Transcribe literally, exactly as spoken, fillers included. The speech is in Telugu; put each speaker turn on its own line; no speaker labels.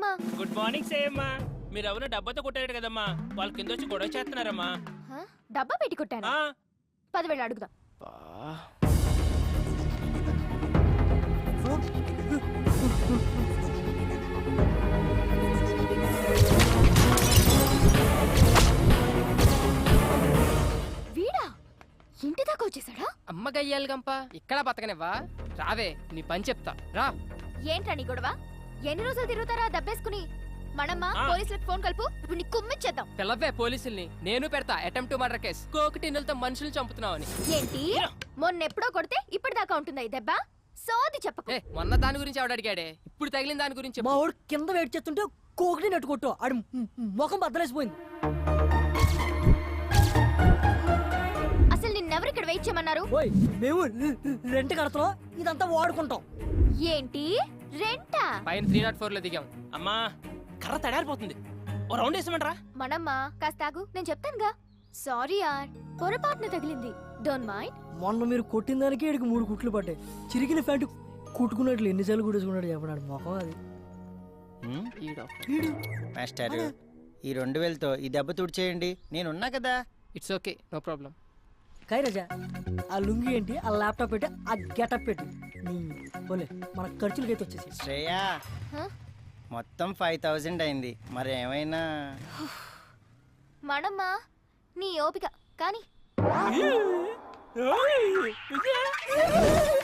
Good morning సేయమ్మా. మీరు ఎవరు డబ్బాతో కొట్టారు కదమ్మా, వాళ్ళ కింద వచ్చి గొడవ చేస్తున్నారమ్మా.
డబ్బా పెట్టి కొట్టాను. పదివేలు అడుగుదాం. వీడా ఇంటి దాకా వచ్చేసాడా?
అమ్మ గయ్యాలి గంప, ఇక్కడ బతకనివ్వా? రావే నీ పని చెప్తా రా.
ఏంట్రా నీ గొడవ? ఎన్ని రోజులు తిరుగుతారా దబ్బేసుకుని? మనమ్మ పోలీసులకు ఫోన్ కలుపు, ఇప్పుడు నీ కుమ్మిచ్చేద్దాం.
పిల్లవే పోలీసుల్ని, నేను పెడతా అటెంప్ట్ టు మర్డర్ కేసు. కోకటిన్నులతో మనుషులు చంపుతున్నావని.
ఏంటి మొన్నెప్పుడో కొడితే ఇప్పటిదాకా ఉంటుందా ఈ దెబ్బ? సోది చెప్పకు.
మొన్న దాని గురించి ఆవిడ అడిగాడే, ఇప్పుడు తగిలిన దాని గురించి.
మా వాడు కింద వెయిట్ చేస్తుంటే కోకటి నెట్టు కొట్టు, ఆడి ముఖం బద్దలేసిపోయింది.
అసలు నిన్నెవరు ఇక్కడ వెయిట్ చేయమన్నారు?
మేము రెంట్ కడతాం, ఇదంతా వాడుకుంటాం.
ఏంటి రెంటా?
పైన త్రీ నాట్ ఫోర్ లో దిగాం.
అమ్మా కర్ర తడారిపోతుంది, ఓ రౌండ్ వేసామంటారా?
మనమ్మ కాస్త ఆగు, నేను చెప్తానుగా. సారీ యార్, పొరపాటున తగిలింది, డోంట్ మైండ్.
మొన్న మీరు కొట్టిన దానికి ఇక్కడికి మూడు కుట్లు పడ్డాయి. చిరిగిన ప్యాంటు కుట్టుకున్నట్లు ఎన్నిసార్లు కుట్టుకున్నాడు చెప్పడాడు మొఖం అది.
మాస్టర్ ఈ రెండు వేలతో ఈ దెబ్బ తుడిచేయండి, నేనున్నా కదా.
It's okay, no problem.
కైరాజా ఆ లుంగి ఏంటి, ఆ ల్యాప్టాప్ పెట్టి, ఆ గెటప్ పెట్టి పోలే మన ఖర్చులకైతే వచ్చేసి.
శ్రేయా మొత్తం ఫైవ్ థౌజండ్ అయింది, మరి ఏమైనా?
మనమ్మ నీ ఓపిక కానీ